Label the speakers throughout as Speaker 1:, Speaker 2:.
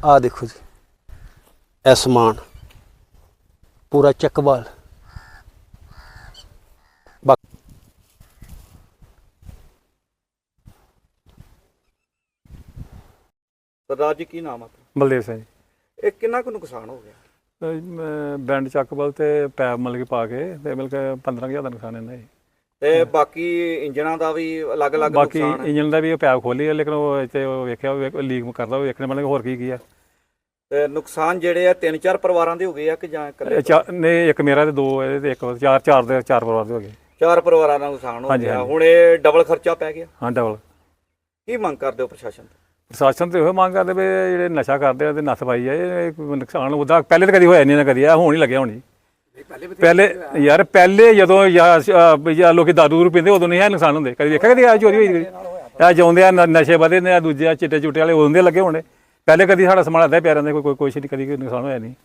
Speaker 1: आ देखो जी, ए समान पूरा चकवाल।
Speaker 2: सरदार जी की नाम आपका?
Speaker 3: ਬਲਦੇਵ ਸਿੰਘ
Speaker 2: ਇਹ ਕਿੰਨਾ ਕੁ ਨੁਕਸਾਨ ਹੋ ਗਿਆ?
Speaker 3: ਬੈਂਡ ਚੱਕਬਲ ਤੇ ਪੈਪ ਮਤਲਬ ਕਿ ਪਾ ਕੇ ਤੇ ਮਤਲਬ ਕਿ 15,000 ਦਾ ਨੁਕਸਾਨ ਇਹਨਾਂ ਜੀ।
Speaker 2: ਤੇ ਬਾਕੀ ਇੰਜਣਾਂ ਦਾ ਵੀ ਅਲੱਗ-ਅਲੱਗ
Speaker 3: ਬਾਕੀ
Speaker 2: ਨੁਕਸਾਨ ਹੈ।
Speaker 3: ਇੰਜਨ ਦਾ ਵੀ ਪੈਪ ਖੋਲੀ ਹੈ, ਲੇਕਿਨ ਉਹ ਇੱਥੇ ਉਹ ਵੇਖਿਆ ਲੀਕ ਕਰਦਾ, ਉਹ ਵੇਖਣੇ ਮਤਲਬ ਹੋਰ ਕੀ ਆ।
Speaker 2: ਤੇ ਨੁਕਸਾਨ ਜਿਹੜੇ ਆ 3-4 ਪਰਿਵਾਰਾਂ ਦੇ ਹੋ ਗਏ ਆ ਕਿ ਜਾਂ ਇਕੱਲੇ?
Speaker 3: ਨਹੀਂ, ਇੱਕ ਮੇਰਾ ਤੇ ਦੋ ਇਹਦੇ ਤੇ ਇੱਕ ਚਾਰ ਪਰਿਵਾਰ ਦੇ ਹੋ ਗਏ।
Speaker 2: 4 ਪਰਿਵਾਰਾਂ ਦਾ ਨੁਕਸਾਨ ਹੋ
Speaker 3: ਹਾਂਜੀ,
Speaker 2: ਗਿਆ।
Speaker 3: ਹਾਂਜੀ।
Speaker 2: ਹੁਣ ਇਹ ਡਬਲ ਖਰਚਾ ਪੈ ਗਿਆ।
Speaker 3: ਹਾਂ, ਡਬਲ।
Speaker 2: ਕੀ ਮੰਗ ਕਰਦੇ ਹੋ ਪ੍ਰਸ਼ਾਸਨ ਤੋਂ?
Speaker 3: ਪ੍ਰਸ਼ਾਸਨ ਤੇ ਉਹ ਮੰਗ ਕਰਦੇ ਵੀ ਜਿਹੜੇ ਨਸ਼ਾ ਕਰਦੇ ਆ ਤੇ ਨੱਥ ਪਾਈ ਆ। ਇਹ ਨੁਕਸਾਨ ਉਹਦਾ ਪਹਿਲੇ ਤਾਂ ਕਦੀ ਹੋਇਆ ਨਹੀਂ ਨਾ, ਕਦੀ ਆ ਹੁਣ ਹੀ ਲੱਗਿਆ ਹੋਣੀ। ਪਹਿਲੇ ਯਾਰ ਪਹਿਲੇ ਜਦੋਂ ਜਾਂ ਲੋਕੀ ਦਾਰੂ ਦੂਰੂ ਪੀਂਦੇ ਉਦੋਂ ਨਹੀਂ ਇਹ ਨੁਕਸਾਨ ਹੁੰਦੇ। ਕਦੀ ਵੇਖਿਆ ਕਦੀ ਆ ਚੋਰੀ ਹੋਈ? ਆ ਜਾਉਂਦੇ ਆ ਨਸ਼ੇ ਵਧੇ ਨੇ, ਆ ਦੂਜੇ ਆ ਚਿੱਟੇ ਚੁੱਟੇ ਵਾਲੇ ਉਦੋਂ ਦੇ ਲੱਗੇ ਹੋਣੇ। ਪਹਿਲੇ ਕਦੀ ਸਾਡਾ ਸਮਾਨ ਆਦਾ ਪਿਆਰਿਆਂ ਦੇ ਕੋਈ ਕੁਛ ਨਹੀਂ, ਕਦੀ ਕੋਈ ਨੁਕਸਾਨ ਹੋਇਆ ਨਹੀਂ।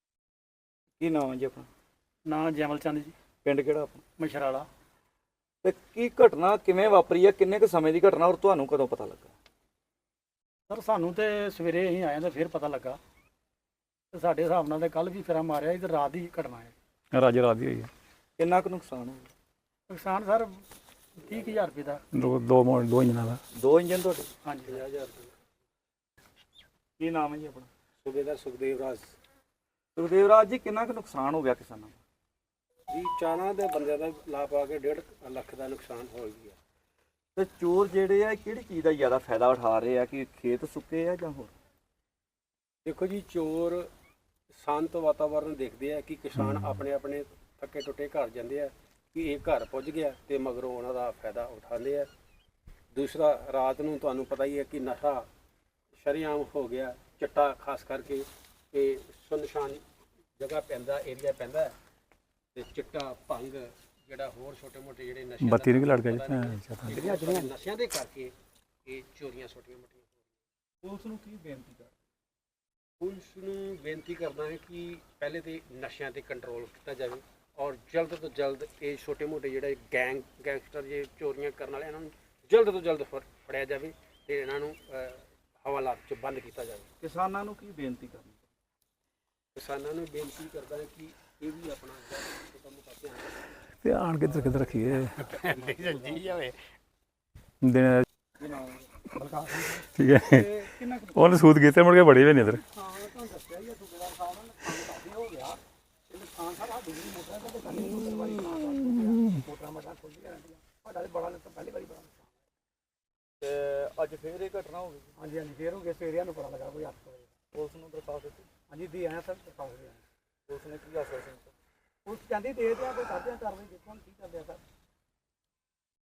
Speaker 2: ਕੀ ਨਾਮ ਹੈ ਜੀ ਆਪਣਾ?
Speaker 4: ਨਾਂ ਜੈਮਲ ਚੰਦ ਜੀ,
Speaker 2: ਪਿੰਡ ਕਿਹੜਾ ਆਪਣਾ?
Speaker 4: ਮਸ਼ਰਾਲਾ।
Speaker 2: ਤੇ ਕੀ ਘਟਨਾ ਕਿਵੇਂ ਵਾਪਰੀ ਆ? ਕਿੰਨੇ ਕੁ ਸਮੇਂ ਦੀ ਘਟਨਾ ਔਰ ਤੁਹਾਨੂੰ ਕਦੋਂ ਪਤਾ ਲੱਗਾ?
Speaker 4: ਸਰ ਸਾਨੂੰ ਤੇ ਸਵੇਰੇ ਅਸੀਂ ਆਏ ਤਾਂ ਫਿਰ ਪਤਾ ਲੱਗਾ ਤੇ ਸਾਡੇ ਹਿਸਾਬ ਨਾਲ ਤੇ ਕੱਲ ਵੀ ਫੇਰਾ ਮਾਰਿਆ ਸੀ ਤੇ ਰਾਤ ਦੀ ਘਟਨਾ ਹੈ।
Speaker 3: ਰਾਜੇ ਰਾਤ ਦੀ ਹੋਈ ਹੈ।
Speaker 2: ਕਿੰਨਾ ਕੁ ਨੁਕਸਾਨ ਹੋ ਗਿਆ?
Speaker 4: ਨੁਕਸਾਨ ਸਰ 30,000 ਰੁਪਏ ਦਾ।
Speaker 3: ਦੋ ਇੰਜਨਾਂ ਦਾ।
Speaker 2: 2 ਇੰਜਨ ਤੁਹਾਡੇ?
Speaker 4: ਹਾਂਜੀ।
Speaker 2: 50,000 ਰੁਪਏ। ਕੀ ਨਾਮ ਹੈ ਜੀ ਆਪਣਾ?
Speaker 5: ਸੂਬੇਦਾਰ ਸੁਖਦੇਵ ਰਾਜ
Speaker 2: ਸੁਖਦੇਵ ਰਾਜ ਜੀ, ਕਿੰਨਾ ਕੁ ਨੁਕਸਾਨ ਹੋ ਗਿਆ ਕਿਸਾਨਾਂ ਦਾ?
Speaker 5: ਜੀ। ਚਾਰਾਂ ਦੇ ਬੰਦਿਆਂ ਦਾ ਲਾ ਪਾ ਕੇ 1.5 ਲੱਖ ਦਾ ਨੁਕਸਾਨ ਹੋ ਗਿਆ।
Speaker 2: ਤੇ ਚੋਰ ਜਿਹੜੇ ਆ ਕਿਹੜੀ ਚੀਜ਼ ਦਾ ਜ਼ਿਆਦਾ ਫਾਇਦਾ ਉਠਾ ਰਹੇ ਆ ਕਿ ਖੇਤ ਸੁੱਕੇ ਆ ਜਾਂ ਹੋਰ?
Speaker 5: ਦੇਖੋ ਜੀ, ਚੋਰ ਸ਼ਾਂਤ ਵਾਤਾਵਰਨ ਦੇਖਦੇ ਆ ਕਿ ਕਿਸਾਨ ਆਪਣੇ ਆਪਣੇ ਥੱਕੇ ਟੁੱਟੇ ਘਰ ਜਾਂਦੇ ਆ ਕਿ ਇਹ ਘਰ ਪੁੱਜ ਗਿਆ ਤੇ ਮਗਰੋਂ ਉਹਨਾਂ ਦਾ ਫਾਇਦਾ ਉਠਾਉਂਦੇ ਆ। ਦੂਸਰਾ, ਰਾਤ ਨੂੰ ਤੁਹਾਨੂੰ ਪਤਾ ਹੀ ਹੈ ਕਿ ਨਸ਼ਾ ਸ਼ਰੇਆਮ ਹੋ ਗਿਆ। ਚਿੱਟਾ ਖਾਸ ਕਰਕੇ ਇਹ ਸੁਨਸਾਨ ਜਗ੍ਹਾ ਪੈਂਦਾ, ਏਰੀਆ ਪੈਂਦਾ ਤੇ ਚਿੱਟਾ ਭੰਗ ਜਿਹੜਾ ਹੋਰ ਛੋਟੇ ਮੋਟੇ ਜਿਹੜੇ ਨਸ਼ੇ
Speaker 3: ਬੱਤੀ ਨੂੰ ਵੀ ਲੜ ਗਿਆ ਜੀ।
Speaker 5: ਨਸ਼ਿਆਂ ਦੇ ਕਰਕੇ ਇਹ ਚੋਰੀਆਂ ਛੋਟੀਆਂ ਮੋਟੀਆਂ।
Speaker 2: ਪੁਲਿਸ ਨੂੰ ਕੀ ਬੇਨਤੀ ਕਰ?
Speaker 5: ਪੁਲਿਸ ਨੂੰ ਬੇਨਤੀ ਕਰਦਾ ਹੈ ਕਿ ਪਹਿਲੇ ਤੇ ਨਸ਼ਿਆਂ ਤੇ ਕੰਟਰੋਲ ਕੀਤਾ ਜਾਵੇ ਔਰ ਜਲਦ ਤੋਂ ਜਲਦ ਇਹ ਛੋਟੇ ਮੋਟੇ ਜਿਹੜੇ ਗੈਂਗਸਟਰ ਜੇ ਚੋਰੀਆਂ ਕਰਨ ਵਾਲੇ ਇਹਨਾਂ ਨੂੰ ਜਲਦ ਤੋਂ ਜਲਦ ਫੜਿਆ ਜਾਵੇ ਤੇ ਇਹਨਾਂ ਨੂੰ ਹਵਾਲਾਤ 'ਚ ਬੰਦ ਕੀਤਾ ਜਾਵੇ।
Speaker 2: ਕਿਸਾਨਾਂ ਨੂੰ ਕੀ ਬੇਨਤੀ ਕਰਨੀ?
Speaker 5: ਕਿਸਾਨਾਂ ਨੂੰ ਬੇਨਤੀ ਕਰਦਾ ਹੈ ਕਿ ਇਹ ਵੀ ਆਪਣਾ ਛੋਟਾ ਮੋਟਾ ਧਿਆਨ ਰੱਖਣ।
Speaker 3: ਤੇ ਆਣ ਕਿੱਧਰ ਕਿੱਧਰ ਰੱਖੀਏ
Speaker 5: ਜੀ ਜਾਵੇ।
Speaker 3: ਦਿਨ ਠੀਕ ਹੈ। ਉਹਨੇ ਸੂਤ ਕੀਤੇ ਮੁੜ ਕੇ ਬੜੇ ਵੀ ਨਹੀਂ ਇੱਧਰ।
Speaker 2: ਤੇ ਅੱਜ ਫੇਰ ਇਹ ਘਟਨਾ ਹੋ ਗਈ?
Speaker 4: ਹਾਂਜੀ ਹਾਂਜੀ, ਫੇਰ ਹੋ ਗਏ। ਸਵੇਰੇ ਨੂੰ ਪਤਾ ਲੱਗਾ ਕੋਈ 8 ਵਜੇ।
Speaker 2: ਪੁਲਿਸ ਨੂੰ ਦਰਖਾਸਤ ਦਿੱਤੀ?
Speaker 4: ਹਾਂਜੀ ਦੀ ਆਇਆ ਸਰ, ਦਰਖਾਸਤ ਦੇ ਆਏ।
Speaker 2: ਪੁਲਿਸ ਨੇ ਕੀ ਆਸ਼ਵਾਸਨ ਦਿੱਤਾ?
Speaker 4: ਪੁਲਿਸ ਕਹਿੰਦੀ ਦੇ ਦਿਆ ਕੋਈ ਕਰਦੇ ਆ ਕਾਰਵਾਈ, ਦੇਖੋ ਹੁਣ ਕੀ ਕਰਦੇ ਆ ਸਰ।